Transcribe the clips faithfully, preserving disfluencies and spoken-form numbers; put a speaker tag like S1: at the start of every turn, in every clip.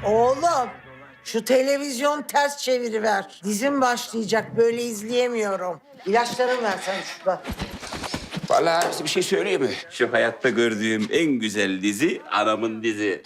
S1: Oğlum, şu televizyon ters çeviriver. Dizim başlayacak, böyle izleyemiyorum. İlaçlarımı versene şurada.
S2: Vallahi size bir şey söyleyeyim mi? Şu hayatta gördüğüm en güzel dizi anamın dizi.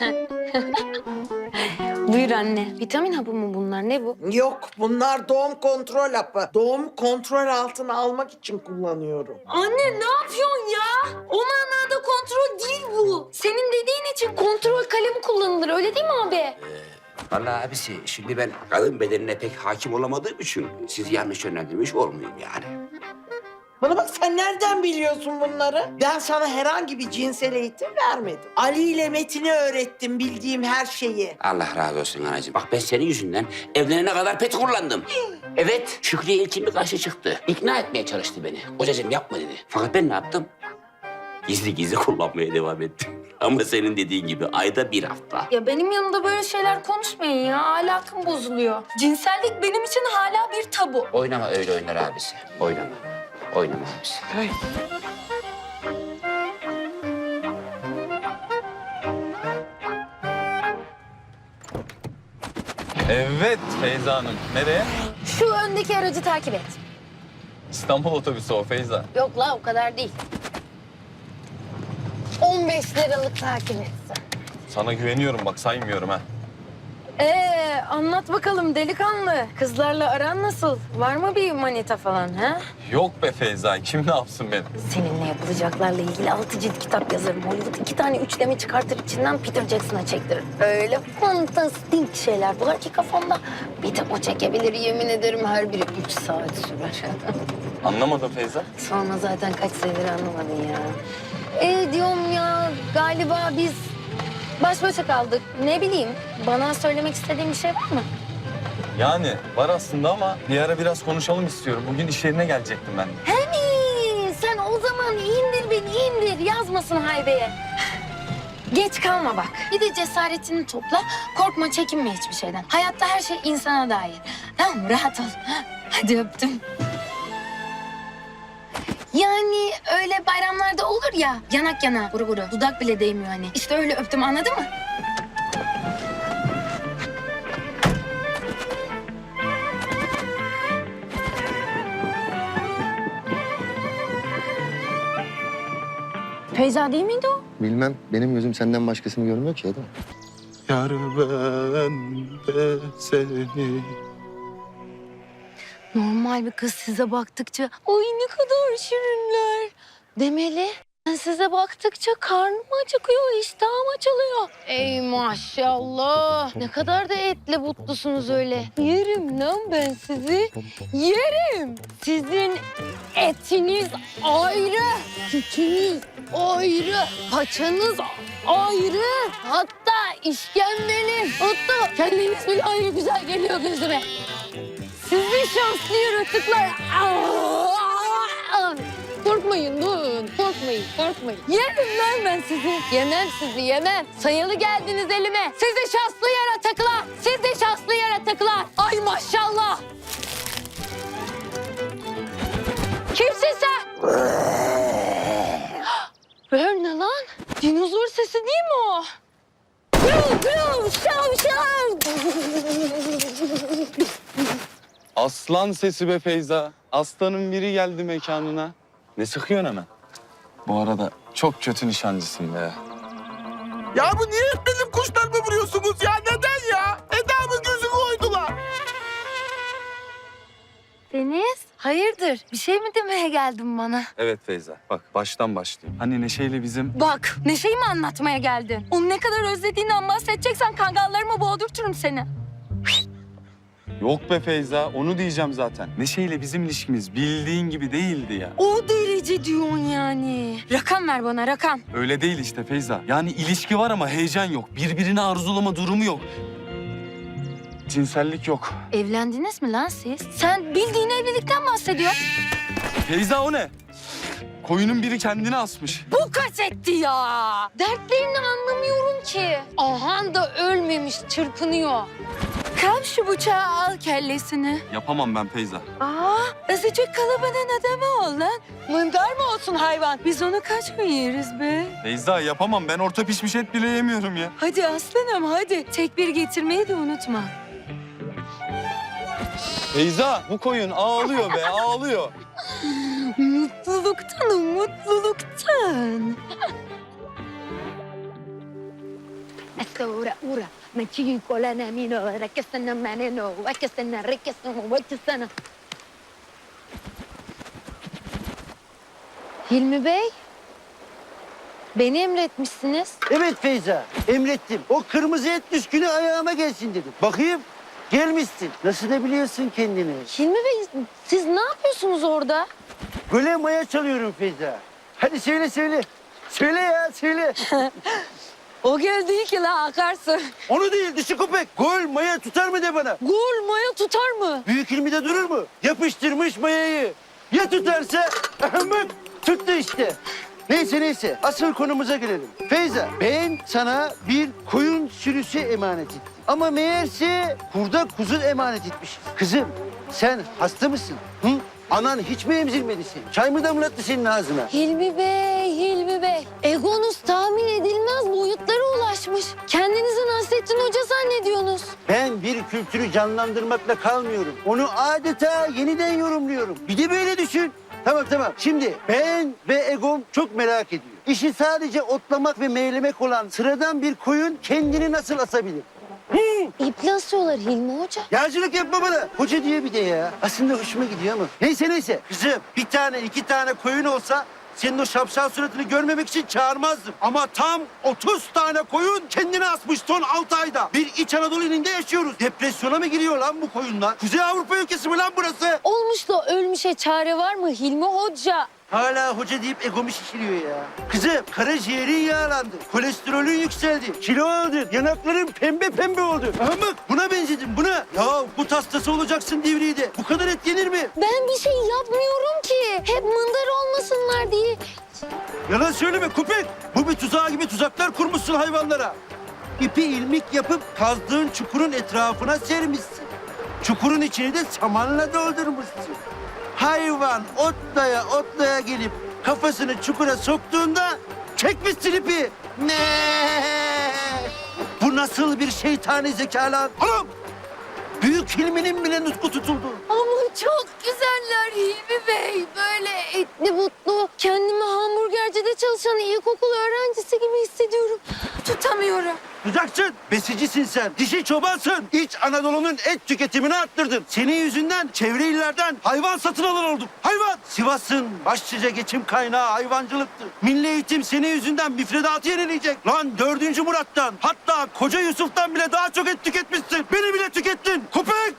S3: Buyur anne. Vitamin hapı mı bunlar? Ne bu?
S1: Yok, bunlar doğum kontrol hapı. Doğum kontrol altına almak için kullanıyorum.
S3: Anne ne yapıyorsun ya? O manada kontrol değil bu. Senin dediğin için kontrol kalemi kullanılır. Öyle değil mi abi?
S2: Vallahi abisi şimdi ben kadın bedenine pek hakim olamadığım için sizi yanlış yönlendirmiş olmayayım yani.
S1: Bana bak, sen nereden biliyorsun bunları? Ben sana herhangi bir cinsel eğitim vermedim. Ali ile Metin'e öğrettim bildiğim her şeyi.
S2: Allah razı olsun anacığım. Bak ben senin yüzünden evlenene kadar pet kullandım. Evet, Şükrü'ye ilkin bir karşı çıktı. İkna etmeye çalıştı beni. Kocacığım yapma dedi. Fakat ben ne yaptım? Gizli gizli kullanmaya devam ettim. Ama senin dediğin gibi ayda bir hafta.
S3: Ya benim yanımda böyle şeyler konuşmayın ya. Ahlakım bozuluyor. Cinsellik benim için hala bir tabu.
S2: Oynama öyle oynar abisi. Oynama. Oynama abisi.
S1: Ay.
S4: Evet Feyza Hanım. Nereye?
S3: Şu öndeki aracı takip et.
S4: İstanbul otobüsü o Feyza.
S3: Yok la o kadar değil. on beş liralık takip etsin.
S4: Sana güveniyorum bak saymıyorum ha.
S3: Ee, anlat bakalım delikanlı. Kızlarla aran nasıl? Var mı bir manita falan ha?
S4: Yok be Feyza kim ne yapsın beni?
S3: Seninle yapılacaklarla ilgili altı cilt kitap yazarım. Hollywood iki tane üçleme çıkartır içinden Peter Jackson'a çektirir. Öyle fantastik şeyler bular ki kafamda. Bir de o çekebilir yemin ederim her biri üç saat sürer.
S4: Anlamadım Feyza.
S3: Sonra zaten kaç senedir anlamadın ya. Ee diyorum ya galiba biz baş başa kaldık. Ne bileyim bana söylemek istediğin bir şey var mı?
S4: Yani var aslında ama bir ara biraz konuşalım istiyorum. Bugün iş yerine gelecektim ben.
S3: He mi? Sen o zaman indir beni indir yazmasın haybeye. Geç kalma bak. Bir de cesaretini topla. Korkma çekinme hiçbir şeyden. Hayatta her şey insana dair. Tamam mı? Rahat ol. Hadi öptüm. Yani öyle bayramlarda olur ya yanak yana guru guru dudak bile değmiyor hani. İşte öyle öptüm anladın mı? Feyza değil miydi o?
S5: Bilmem. Benim gözüm senden başkasını görmüyor ki adam.
S6: Yar ben de seni.
S3: Normal bir kız size baktıkça ay ne kadar şirinler demeli. Ben size baktıkça karnım acıkıyor, iştahım açılıyor. Ey maşallah. Ne kadar da etli butlusunuz öyle. Yerim lan ben sizi. Yerim. Sizin etiniz ayrı, sütünüz ayrı, paçanız ayrı. Hatta işkembeniz, hatta kendiniz bile ayrı güzel geliyor gözüme. Sizi şanslı yaratıklar. Aa! Korkmayın, durun. Korkmayın, korkmayın. Yerim lan ben sizi. Yemem sizi, yemem. Sayılı geldiniz elime. Sizi şanslı yaratıklar. Sizi şanslı yaratıklar. Ay maşallah. Kimsin sen? Ver ne lan? Dinozor sesi değil mi o? Gül, gül, şav, şav.
S4: Aslan sesi be Feyza. Aslanın biri geldi mekanına. Ne sıkıyorsun hemen? Bu arada çok kötü nişancısın be.
S6: Ya bu niye hep benim kuşlarımı vuruyorsunuz ya? Neden ya? Eda'mın gözünü oydular.
S3: Deniz, hayırdır? Bir şey mi demeye geldin bana?
S4: Evet Feyza bak baştan başlayayım. Hani Neşe'yle bizim...
S3: Bak, Neşe'yi mi anlatmaya geldin? Onu ne kadar özlediğinden bahsedeceksen kangallarıma boğdurturum seni.
S4: Yok be Feyza onu diyeceğim zaten. Neşe'yle bizim ilişkimiz bildiğin gibi değildi ya.
S3: O derece diyorsun yani. Rakam ver bana, rakam.
S4: Öyle değil işte Feyza. Yani ilişki var ama heyecan yok. Birbirini arzulama durumu yok. Cinsellik yok.
S3: Evlendiniz mi lan siz? Sen bildiğin evlilikten bahsediyorsun.
S4: Feyza o ne? Koyunun biri kendini asmış.
S3: Bu kaç etti ya? Dertlerini anlamıyorum ki. Ahan da ölmemiş, çırpınıyor. Kalk şu bıçağı al kellesini.
S4: Yapamam ben Feyza.
S3: Aa, azıcık kalıbının adamı ol lan. Mındar mı olsun hayvan? Biz onu kaç mı yeriz be?
S4: Feyza yapamam. Ben orta pişmiş et bile yemiyorum ya.
S3: Hadi aslanım hadi. Tekbir getirmeyi de unutma.
S4: Feyza bu koyun ağlıyor be ağlıyor.
S3: Mutluluktan, mutluluktan. Ora, ora. Maçıyı kolana mino, rakasana maneno, vakasana, rakasana, vakasana. Hilmi Bey, beni emretmişsiniz.
S7: Evet Feyza, emrettim. O kırmızı et düşkünü ayağıma gelsin dedim. Bakayım, gelmişsin. Nasıl da biliyorsun kendini?
S3: Hilmi Bey, siz ne yapıyorsunuz orada?
S7: Göle maya çalıyorum Feyza. Hadi söyle söyle. Söyle ya, söyle.
S3: O göl değil ki la, akarsu.
S7: Onu değil, dişi köpek. Gol maya tutar mı de bana?
S3: Gol maya tutar mı?
S7: Büyük ilmide durur mu? Yapıştırmış mayayı. Ya tutarsa? Bak, tuttu işte. Neyse neyse, asıl konumuza gelelim. Feyza, ben sana bir koyun sürüsü emanet ettim. Ama meğerse kurda kuzu emanet etmiş. Kızım, sen hasta mısın? Hı? Anan hiç mi emzirmedi seni? Çay mı damlattı senin ağzına?
S3: Hilmi Bey, Hilmi Bey. Egonuz tahmin edilmez boyutlara ulaşmış. Kendinizi Nasrettin Hoca zannediyorsunuz.
S7: Ben bir kültürü canlandırmakla kalmıyorum. Onu adeta yeniden yorumluyorum. Bir de böyle düşün. Tamam tamam. Şimdi ben ve Egom çok merak ediyor. İşi sadece otlamak ve meylemek olan sıradan bir koyun kendini nasıl asabilir? Hı?
S3: İple asıyorlar Hilmi Hoca.
S7: Yağcılık yapma bana. Hoca diye bir de ya. Aslında hoşuma gidiyor ama. Neyse neyse. Kızım bir tane iki tane koyun olsa senin o şapşal suratını görmemek için çağırmazdım. Ama tam otuz tane koyun kendini asmış son altı ayda. Bir İç Anadolu ilinde yaşıyoruz. Depresyona mı giriyor lan bu koyunlar? Kuzey Avrupa ülkesi mi lan burası?
S3: Olmuş da ölmüşe çare var mı Hilmi Hoca?
S7: Hala hoca deyip egomu şişiriyor ya. Kızım karaciğerin yağlandı. Kolesterolün yükseldi. Kilo aldın. Yanakların pembe pembe oldu. Aha bak buna benzedin buna. Ya bu hastası olacaksın Divriği'de. Bu kadar et yenir mi?
S3: Ben bir şey yapmıyorum ki. Hep mındar olmasınlar diye.
S7: Yalan söyleme köpek. Bu bir tuzağı gibi tuzaklar kurmuşsun hayvanlara. İpi ilmik yapıp kazdığın çukurun etrafına sermişsin. Çukurun içini de samanla doldurmuşsun. Hayvan otlaya otlaya gelip kafasını çukura soktuğunda çekmişsin ipi. Ne? Bu nasıl bir şeytani zeka lan? Oğlum! Büyük filminin bile nutku tutuldu.
S3: Ama çok güzeller Hilmi Bey. Böyle etli butlu. Kendimi hamburgercide çalışan ilkokul öğrencisi gibi hissediyorum. Tutamıyorum.
S7: Tutacaksın. Besicisin sen. Dişi çobansın. İç Anadolu'nun et tüketimini arttırdın. Senin yüzünden çevre illerden hayvan satın alır olduk. Hayvan. Sivas'ın başlıca geçim kaynağı hayvancılıktı. Milli Eğitim senin yüzünden müfredatı yenileyecek. Lan dördüncü Murat'tan hatta Koca Yusuf'tan bile daha çok et tüketmişsin. Beni bile tükettin. Köpek.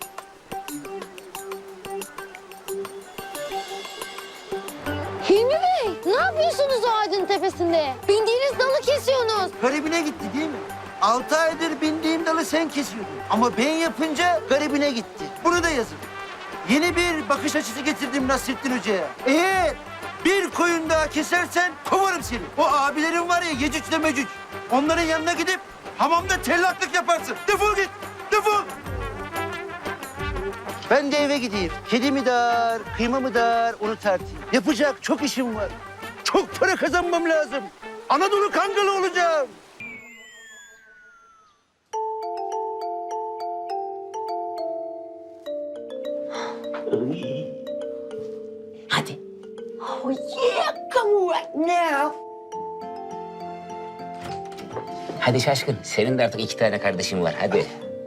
S3: Hilmi Bey, ne yapıyorsunuz o ağacın tepesinde? Bindiğiniz dalı kesiyorsunuz.
S7: Garibine gitti değil mi? Altı aydır bindiğim dalı sen kesiyordun. Ama ben yapınca garibine gitti. Bunu da yazın. Yeni bir bakış açısı getirdim Nasrettin Hoca'ya. Eğer bir koyun daha kesersen kovarım seni. O abilerin var ya Yecüc'le Mecüc. Onların yanına gidip hamamda tellaklık yaparsın. Defol git, defol. Ben de eve gideyim. Kedi mi dar, kıyma mı dar onu tartayım. Yapacak çok işim var. Çok para kazanmam lazım. Anadolu Kangalı olacağım.
S1: Hadi. Oh yeah, come right now.
S2: Hadi şaşkın. Senin de artık iki tane kardeşin var. Hadi.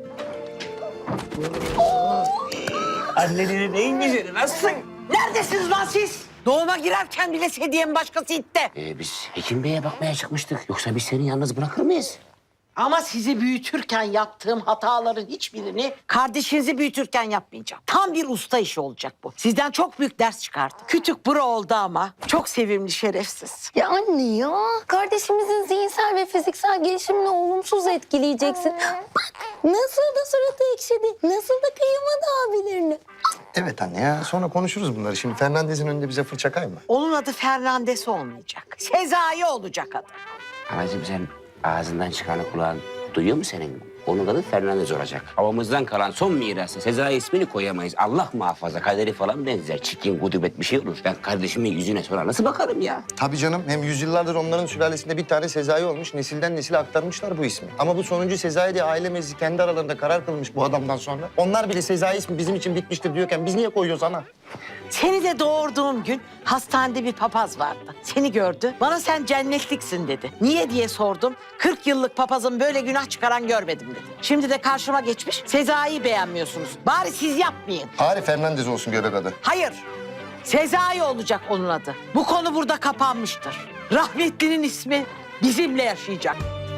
S2: Annelerin en güzeli. Nasılsın?
S1: Neredesiniz lan siz? Doğuma girerken bile sedyenin başkası itti.
S2: Ee, biz Hekim Bey'e bakmaya çıkmıştık. Yoksa biz seni yalnız bırakır mıyız?
S1: Ama sizi büyütürken yaptığım hataların hiçbirini kardeşinizi büyütürken yapmayacağım. Tam bir usta işi olacak bu. Sizden çok büyük ders çıkardım. Kütük bura oldu ama çok sevimli şerefsiz.
S3: Ya anne ya, kardeşimizin zihinsel ve fiziksel gelişimini olumsuz etkileyeceksin. Bak nasıl da suratı ekşidi, nasıl da kıyamadı abilerini.
S5: Evet anne ya sonra konuşuruz bunları. Şimdi Fernandez'in önünde bize fırça kayma.
S1: Onun adı Fernandes olmayacak. Sezai olacak adı.
S2: Anacığım sen ağzından çıkanı kulağın Duyuyor musun senin? Onun adı Fernandez olacak. Babamızdan kalan son mirası Sezai ismini koyamayız. Allah muhafaza kaderi falan benzer. Çirkin, gudubet bir şey olur. Ben kardeşimin yüzüne sonra nasıl bakarım ya?
S5: Tabii canım. Hem yüzyıllardır onların sülalesinde bir tane Sezai olmuş. Nesilden nesile aktarmışlar bu ismi. Ama bu sonuncu Sezai diye aile meclisi kendi aralarında karar kılmış bu adamdan sonra. Onlar bile Sezai ismi bizim için bitmiştir diyorken biz niye koyuyoruz ana?
S1: Seni de doğurduğum gün hastanede bir papaz vardı. Seni gördü. Bana sen cennetliksin dedi. Niye diye sordum. kırk yıllık papazın böyle günah çıkaran görmedim dedi. Şimdi de karşıma geçmiş. Sezai'yi beğenmiyorsunuz. Bari siz yapmayın.
S5: Bari Fernandez olsun göbek adı.
S1: Hayır. Sezai olacak onun adı. Bu konu burada kapanmıştır. Rahmetlinin ismi bizimle yaşayacak.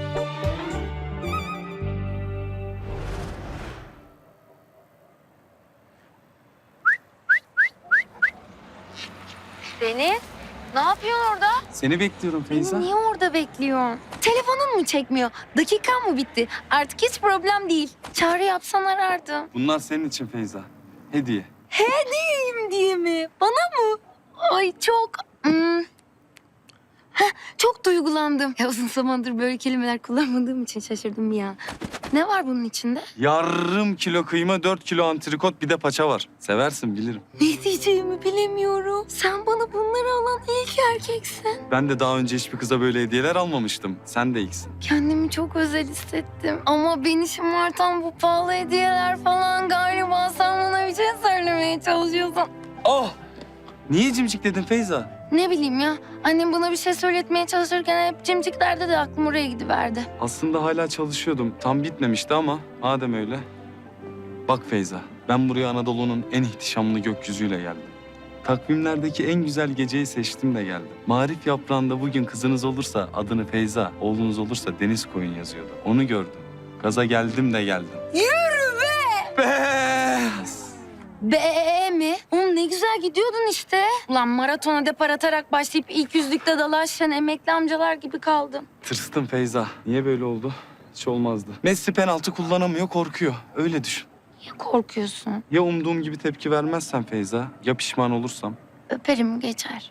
S3: Deniz, ne yapıyorsun orada?
S4: Seni bekliyorum Feyza.
S3: Beni niye orada bekliyorsun? Telefonun mu çekmiyor? Dakikan mı bitti? Artık hiç problem değil. Çağrı yapsan arardım.
S4: Bunlar senin için Feyza. Hediye.
S3: Hediyeyim diye mi? Bana mı? Ay çok... Hmm. Heh, çok duygulandım. Ya uzun zamandır böyle kelimeler kullanmadığım için şaşırdım bir an. Ne var bunun içinde?
S4: Yarım kilo kıyma, dört kilo antrikot, bir de paça var. Seversin bilirim.
S3: Ne diyeceğimi bilemiyorum. Sen bana bunları alan ilk erkeksin.
S4: Ben de daha önce hiçbir kıza böyle hediyeler almamıştım. Sen de ilksin.
S3: Kendimi çok özel hissettim. Ama beni şımartan bu pahalı hediyeler falan galiba sen bana bir şey söylemeye çalışıyorsun.
S4: Oh! Niye cimcikledin Feyza?
S3: Ne bileyim ya. Annem bana bir şey söyletmeye çalışırken hep cimciklerde de aklım oraya gidiverdi.
S4: Aslında hala çalışıyordum. Tam bitmemişti ama madem öyle. Bak Feyza, ben buraya Anadolu'nun en ihtişamlı gökyüzüyle geldim. Takvimlerdeki en güzel geceyi seçtim de geldim. Marif yaprağında bugün kızınız olursa adını Feyza, oğlunuz olursa Deniz koyun yazıyordu. Onu gördüm. Gaza geldim de geldim.
S3: Yürü be!
S4: Beyaz!
S3: Be mi? Oğlum ne güzel gidiyordun işte. Ulan maratona depar atarak başlayıp ilk yüzlükte dalaşan emekli amcalar gibi kaldım.
S4: Tırstım Feyza. Niye böyle oldu? Hiç olmazdı. Messi penaltı kullanamıyor, korkuyor. Öyle düşün.
S3: Niye korkuyorsun?
S4: Ya umduğum gibi tepki vermezsen Feyza, ya pişman olursam?
S3: Öperim geçer.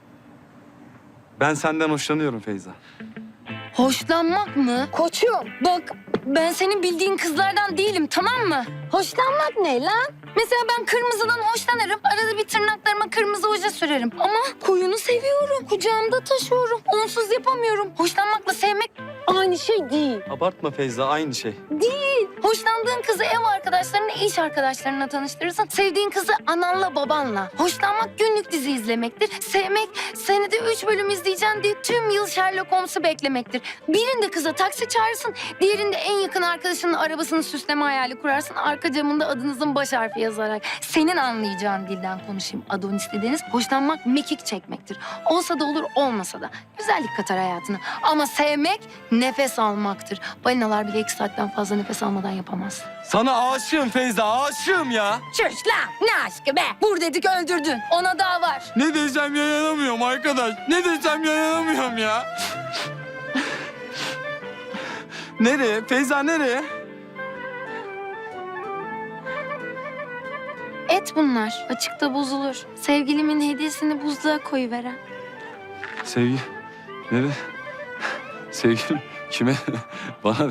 S4: Ben senden hoşlanıyorum Feyza.
S3: Hoşlanmak mı? Koçum bak ben senin bildiğin kızlardan değilim tamam mı? Hoşlanmak ne lan? Mesela ben kırmızıdan hoşlanırım. Arada bir tırnaklarıma kırmızı oje sürerim. Ama koyunu seviyorum. Kucağımda taşıyorum. Onsuz yapamıyorum. Hoşlanmakla sevmek aynı şey değil.
S4: Abartma Feyza, aynı şey.
S3: Değil. Hoşlandığın kızı ev arkadaşlarına, iş arkadaşlarına tanıştırırsın. Sevdiğin kızı ananla babanla. Hoşlanmak günlük dizi izlemektir. Sevmek senede üç bölüm izleyeceksin diye tüm yıl Sherlock Holmes'u beklemektir. Birinde kıza taksi çağırırsın, diğerinde en yakın arkadaşının arabasını süsleme hayali kurarsın. Arka camında adınızın baş harfi yazarak. Senin anlayacağın dilden konuşayım. Adonis dediğiniz hoşlanmak mekik çekmektir. Olsa da olur, olmasa da. Güzellik katar hayatına. Ama sevmek nefes almaktır. Balinalar bile iki saatten fazla nefes almadan yapamaz.
S4: Sana aşığım Feyza, aşığım ya.
S3: Çüş lan! Ne aşkı be? Vur dedik öldürdün. Ona daha var.
S4: Ne desem yayanamıyorum arkadaş. Ne desem yayanamıyorum ya. Nereye? Feyza nereye?
S3: Et bunlar. Açıkta bozulur. Sevgilimin hediyesini buzluğa koyuveren.
S4: Sevgi. Nereye? Sevgilim kime? Bana.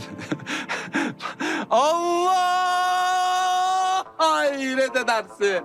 S4: Allah! Hayret edersin.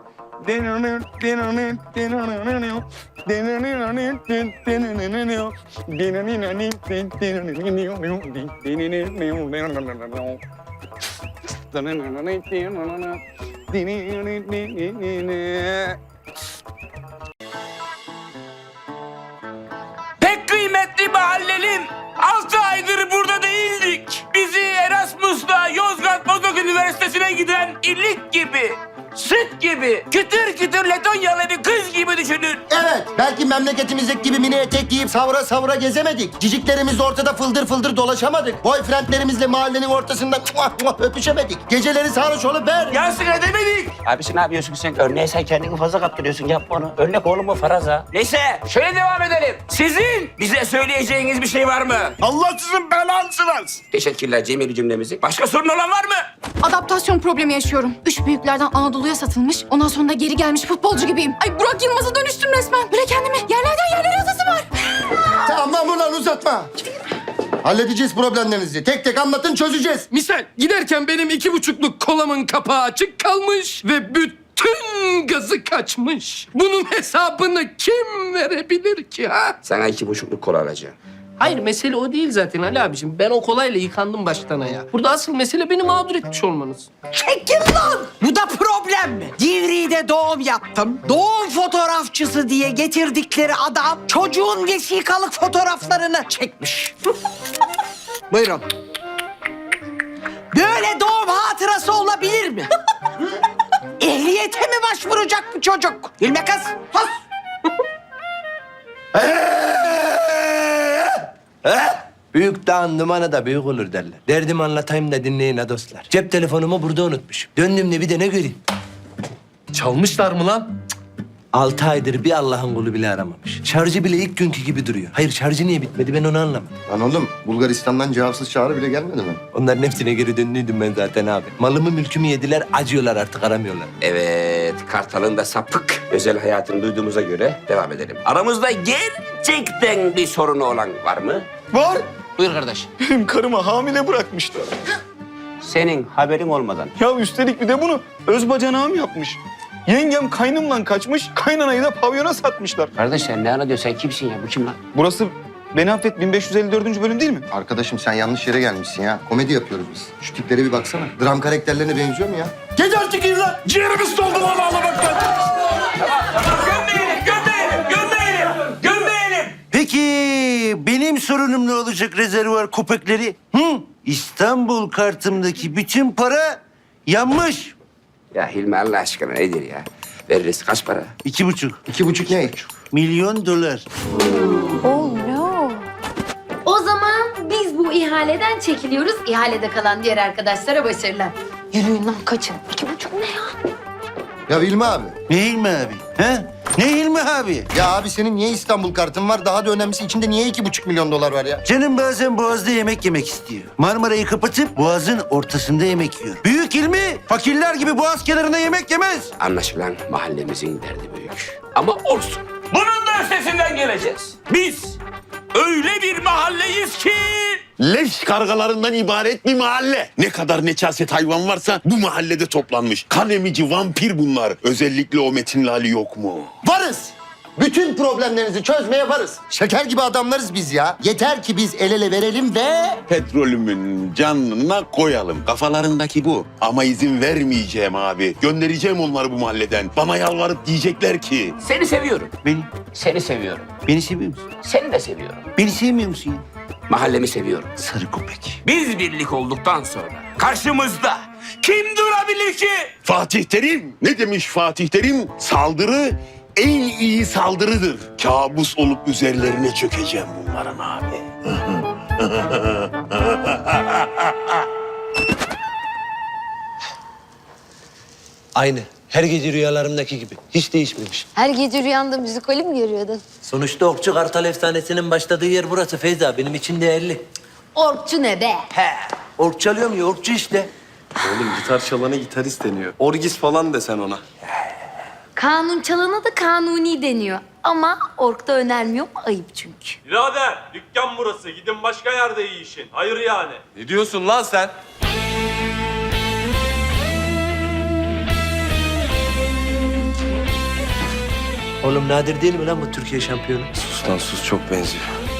S2: Pek kıymetli mahallelim. Altı aydır burada değildik. Bizi Erasmus'la Yozgat Bozok Üniversitesi'ne giden illik gibi, süt gibi, kütür kütür Letonyalı bir kız gibi düşünün.
S8: Evet, belki memleketimizdeki gibi mini etek giyip savura savura gezemedik. Ciciklerimizle ortada fıldır fıldır dolaşamadık. Boyfriendlerimizle mahallenin ortasında muah muah öpüşemedik. Geceleri sarhoş olup ber.
S2: Yansın edemedik. Abisi ne yapıyorsun sen? Örneğe sen kendini fazla kaptırıyorsun. Yapma onu. Örnek oğlum o faraza. Neyse şöyle devam edelim. Sizin bize söyleyeceğiniz bir şey var mı?
S6: Allah sizin belanızı versin.
S2: Teşekkürler Cemil cümlemizi. Başka sorun olan var mı?
S9: Adaptasyon problemi yaşıyorum. Üç büyüklerden Anadolu'ya satılmış, ondan sonra da geri gelmiş futbolcu gibiyim. Ay Burak Yılmaz'a dönüştüm resmen. Böyle kendimi yerlerden yerlere atasım var.
S8: Tamam ulan uzatma. Halledeceğiz problemlerinizi. Tek tek anlatın, çözeceğiz.
S10: Misal giderken benim iki buçukluk kolamın kapağı açık kalmış ve bütün gazı kaçmış. Bunun hesabını kim verebilir ki ha?
S2: Sana iki buçukluk kola alacağım.
S10: Hayır mesele o değil zaten Ali abiciğim. Ben o kolayla yıkandım baştan ayağa. Burada asıl mesele beni mağdur etmiş olmanız.
S1: Çekil lan! Bu da problem mi? Divriği'de doğum yaptım. Doğum fotoğrafçısı diye getirdikleri adam çocuğun vesikalık fotoğraflarını çekmiş. Buyurun. Böyle doğum hatırası olabilir mi? Ehliyete mi başvuracak bu çocuk? Gülme kız. Has.
S7: Büyük dağın dumanı da büyük olur derler. Derdimi anlatayım da dinleyin ha dostlar. Cep telefonumu burada unutmuşum. Döndüğümde bir de ne göreyim?
S10: Çalmışlar mı lan?
S7: Altı aydır bir Allah'ın kulu bile aramamış. Şarjı bile ilk günkü gibi duruyor. Hayır şarjı niye bitmedi ben onu anlamadım.
S5: Lan oğlum Bulgaristan'dan cevapsız çağrı bile gelmedi mi?
S7: Onların hepsine geri döndüydüm ben zaten abi. Malımı mülkümü yediler acıyorlar artık aramıyorlar.
S2: Evet, Kartal'ın da sapık özel hayatını duyduğumuza göre devam edelim. Aramızda gerçekten bir sorunu olan var mı?
S6: Var.
S10: Buyur kardeş.
S6: Benim karıma hamile bırakmışlar.
S2: Senin haberin olmadan.
S6: Ya üstelik bir de bunu öz bacanağım yapmış. Yengem kaynımla kaçmış, kaynanayı da pavyona satmışlar.
S2: Kardeş sen ne anlatıyorsun? Sen kimsin ya? Bu kim lan?
S6: Burası Beni Affet bin beş yüz elli dördüncü bölüm değil mi?
S5: Arkadaşım sen yanlış yere gelmişsin ya. Komedi yapıyoruz biz. Şu tiplere bir baksana. Dram karakterlerine benziyor mu ya?
S6: Geç artık iyi lan. Ciğerimiz doldu lan ağlamaktan.
S2: Gömmeyelim, gömmeyelim, gömmeyelim, gömmeyelim.
S7: Peki benim sorunum ne olacak rezervuar köpekleri? Hı? İstanbul kartımdaki bütün para yanmış.
S2: Ya Hilmi Allah aşkına nedir ya? Veririz kaç para?
S7: İki buçuk.
S5: İki buçuk ne?
S7: Milyon dolar.
S3: Oh no. O zaman biz bu ihaleden çekiliyoruz. İhalede kalan diğer arkadaşlara başarılar. Yürüyün lan kaçın. İki buçuk ne ya?
S5: Ya Hilmi abi.
S7: Ne Hilmi abi? He? Ne Hilmi abi?
S5: Ya abi senin niye İstanbul kartın var? Daha da önemlisi içinde niye iki buçuk milyon dolar var ya?
S7: Canım bazen Boğaz'da yemek yemek istiyor. Marmara'yı kapatıp Boğaz'ın ortasında yemek yiyor. Büyük Hilmi fakirler gibi Boğaz kenarında yemek yemez.
S2: Anlaşılan mahallemizin derdi büyük. Ama olsun. Bunun da üstesinden geleceğiz. Biz öyle bir mahalleyiz ki...
S11: Leş kargalarından ibaret bir mahalle. Ne kadar necaset hayvan varsa bu mahallede toplanmış. Kan emici vampir bunlar. Özellikle o Metin Lali yok mu?
S5: Varız. Bütün problemlerinizi çözmeye varız. Şeker gibi adamlarız biz ya. Yeter ki biz el ele verelim ve...
S11: Petrolümün canına koyalım. Kafalarındaki bu. Ama izin vermeyeceğim abi. Göndereceğim onları bu mahalleden. Bana yalvarıp diyecekler ki...
S2: Seni seviyorum.
S7: Beni,
S2: Seni seviyorum.
S7: beni seviyor musun?
S2: Seni de seviyorum.
S7: Beni sevmiyor musun ya?
S2: Mahallemi seviyorum.
S7: Sarı köpek.
S2: Biz birlik olduktan sonra karşımızda kim durabilir ki?
S11: Fatih Terim. Ne demiş Fatih Terim? Saldırı en iyi saldırıdır. Kabus olup üzerlerine çökeceğim bunların abi.
S7: Aynı. Her gece rüyalarımdaki gibi. Hiç değişmemiş.
S3: Her gece rüyanda müzikali mi görüyordun?
S7: Sonuçta Okçu Kartal efsanesinin başladığı yer burası Feyza. Benim için değerli.
S3: Orkçu ne be?
S7: He. Ork çalıyorum ya, orkçu işte.
S4: Oğlum gitar çalana gitarist deniyor. Orgis falan desen ona.
S3: Kanun çalana da kanuni deniyor. Ama orkta önermiyorum ayıp çünkü.
S12: Birader dükkan burası. Gidin başka yerde iyi işin. Hayır yani.
S4: Ne diyorsun lan sen?
S7: Oğlum nadir değil mi lan bu Türkiye şampiyonu?
S4: Sus lan sus çok benziyor.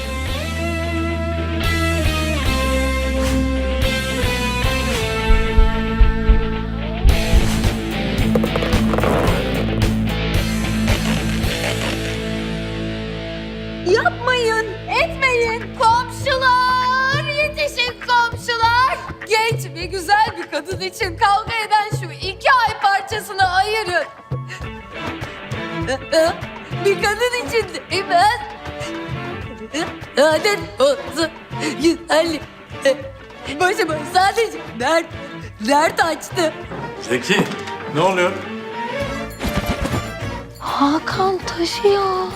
S3: Yapmayın, etmeyin. Komşular, yetişin komşular. Genç ve güzel bir kadın için kavga eden şu iki ay parçasını ayırın. Bir kadın için değil mi? Adet olsun, güzellik. Başıma sadece dert, dert açtı.
S12: Zeki ne oluyor?
S3: Hakan taşıyor.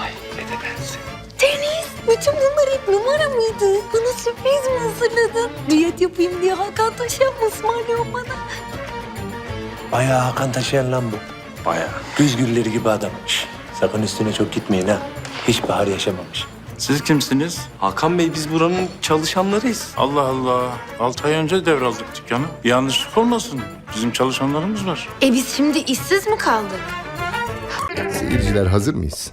S3: Deniz, bütün bunlar hep numara mıydı? Bana sürpriz mi hazırladın? Diyet yapayım diye Hakan taşıyan mı ısmarlıyorsun bana?
S7: Bayağı Hakan taşıyan lan bu.
S4: Bayağı.
S7: Güz gülleri gibi adam. Şş, sakın üstüne çok gitmeyin ha. Hiç bahar yaşamamış.
S4: Siz kimsiniz? Hakan Bey, biz buranın çalışanlarıyız.
S13: Allah Allah. Altı ay önce devraldık dükkanı. Yanlışlık olmasın. Bizim çalışanlarımız var.
S3: E biz şimdi işsiz mi kaldık?
S8: Seyirciler hazır mıyız?